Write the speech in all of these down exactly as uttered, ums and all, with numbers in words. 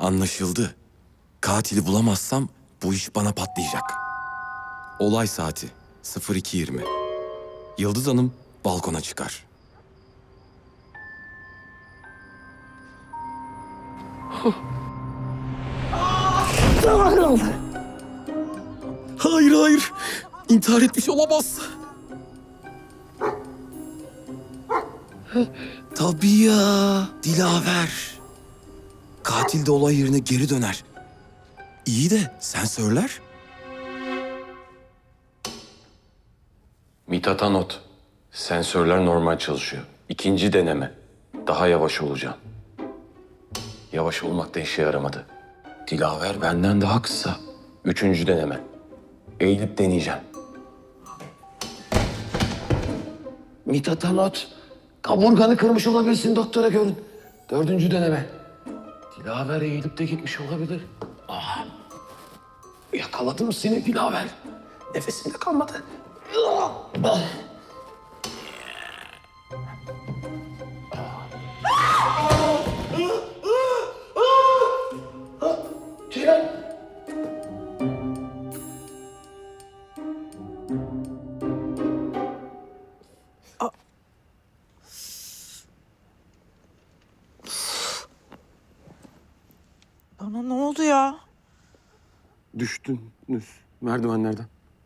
Anlaşıldı. Katili bulamazsam bu iş bana patlayacak. Olay saati sıfır iki yirmi. Yıldız Hanım balkona çıkar. Hayır hayır. İntihar etmiş olamaz. Tabii ya. Dilaver. Katil de olay yerine geri döner. İyi de sensörler? Mithat'a not. Sensörler normal çalışıyor. İkinci deneme. Daha yavaş olacağım. Yavaş olmak da işe yaramadı. Dilaver benden daha kısa. Üçüncü deneme. Eğilip deneyeceğim. Mithat'a not. Kaburganı kırmış olabilirsin, doktora görün. Dördüncü deneme. Dilaver eğilip de gitmiş olabilir. Ah. Yakaladım seni Dilaver. Nefesim de kalmadı. Ah. Ceylan. Bana ne oldu ya? Düştünüz merdivenlerden.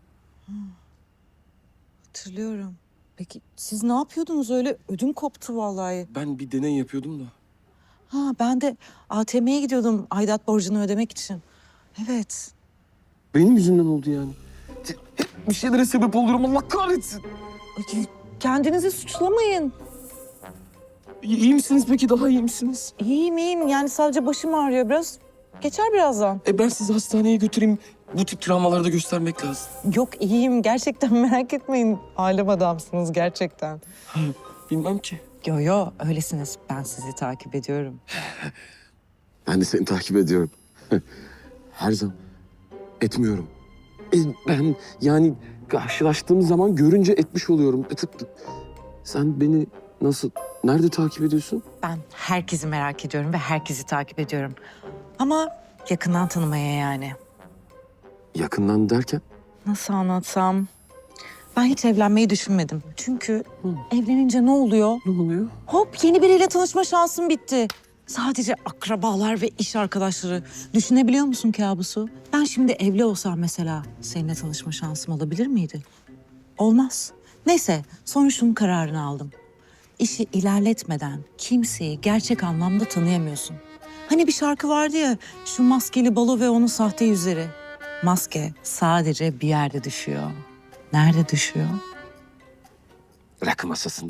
Hatırlıyorum. Peki siz ne yapıyordunuz öyle? Ödüm koptu vallahi. Ben bir deney yapıyordum da. Ha ben de A T M'ye gidiyordum aidat borcunu ödemek için. Evet. Benim yüzümden oldu yani. Hep bir şeylere sebep oluyorum, Allah kahretsin. Ay, kendinizi suçlamayın. İyi, iyi misiniz peki? Daha iyi misiniz? İyiyim iyiyim. Yani sadece başım ağrıyor biraz. Geçer birazdan. E ben sizi hastaneye götüreyim. Bu tip travmaları da göstermek lazım. Yok iyiyim. Gerçekten merak etmeyin. Alem adamsınız gerçekten. Bilmem ki. Yo yo öylesiniz. Ben sizi takip ediyorum. Ben de seni takip ediyorum. Her zaman etmiyorum. E, ben yani karşılaştığımız zaman görünce etmiş oluyorum. E, tık tık. Sen beni nasıl, nerede takip ediyorsun? Ben herkesi merak ediyorum ve herkesi takip ediyorum. Ama yakından tanımaya yani. Yakından derken? Nasıl anlatsam? Ben hiç evlenmeyi düşünmedim. Çünkü evlenince ne oluyor? Ne oluyor? Hop yeni biriyle tanışma şansım bitti. Sadece akrabalar ve iş arkadaşları. Düşünebiliyor musun kabusu? Ben şimdi evli olsam mesela seninle tanışma şansım olabilir miydi? Olmaz. Neyse sonra şunun kararını aldım. İşi ilerletmeden kimseyi gerçek anlamda tanıyamıyorsun. Hani bir şarkı vardı ya, şu maskeli balo ve onun sahte yüzleri. Maske sadece bir yerde düşüyor. Nerede düşüyor? Rakı masasında.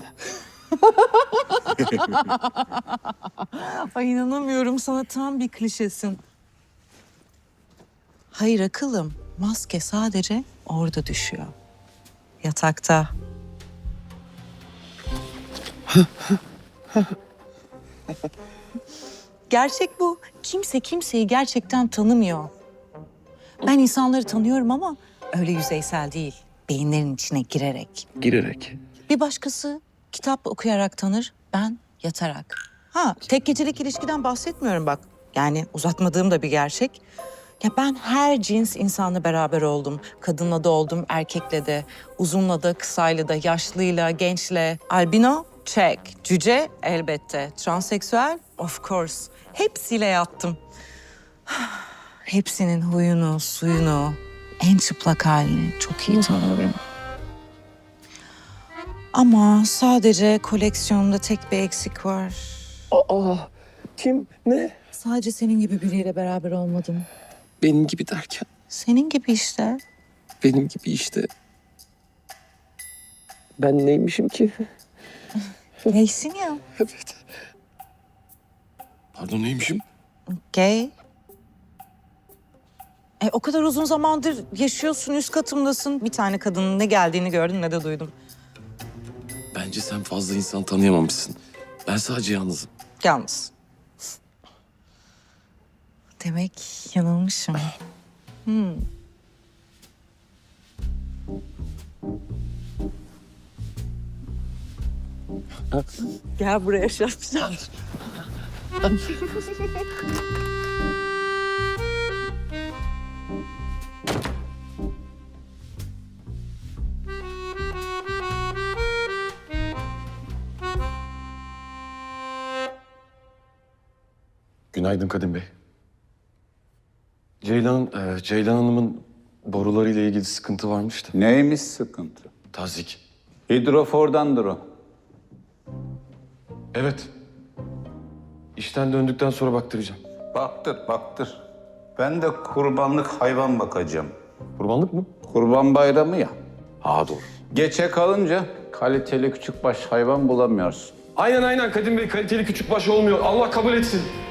Ay inanamıyorum, sana tam bir klişesin. Hayır akıllım, maske sadece orada düşüyor. Yatakta. Gerçek bu. Kimse kimseyi gerçekten tanımıyor. Ben insanları tanıyorum ama öyle yüzeysel değil. Beyinlerin içine girerek. Girerek. Bir başkası kitap okuyarak tanır, ben yatarak. Ha, tek gecelik ilişkiden bahsetmiyorum bak. Yani uzatmadığım da bir gerçek. Ya ben her cins insanla beraber oldum. Kadınla da oldum, erkekle de. Uzunla da, kısayla da, yaşlıyla, gençle. Albino, check. Cüce, elbette. Transseksüel, of course. Hepsiyle yattım. Hepsinin huyunu, suyunu, en çıplak halini çok iyi tanıyorum. Ama sadece koleksiyonumda tek bir eksik var. Aa, kim? Ne? Sadece senin gibi biriyle beraber olmadım. Benim gibi derken? Senin gibi işte. Benim gibi işte. Ben neymişim ki? Gaysin ya. Evet. Pardon, neymişim? Gay. E, o kadar uzun zamandır yaşıyorsun, üst katımdasın. Bir tane kadının ne geldiğini gördüm ne de duydum. Bence sen fazla insan tanıyamamışsın. Ben sadece yalnızım. Yalnız. Demek yanılmışım. Hmm. Gel buraya şapşal. Günaydın Kadim Bey. Ceylan, e, Ceylan Hanım'ın borularıyla ilgili sıkıntı varmış da. Neymiş sıkıntı? Tazik. Hidrofordandır o. Evet. İşten döndükten sonra baktıracağım. Baktır, baktır. Ben de kurbanlık hayvan bakacağım. Kurbanlık mı? Kurban bayramı ya. Ha doğru. Geçe kalınca kaliteli küçükbaş hayvan bulamıyorsun. Aynen aynen Kadim Bey, kaliteli küçük baş olmuyor. Allah kabul etsin.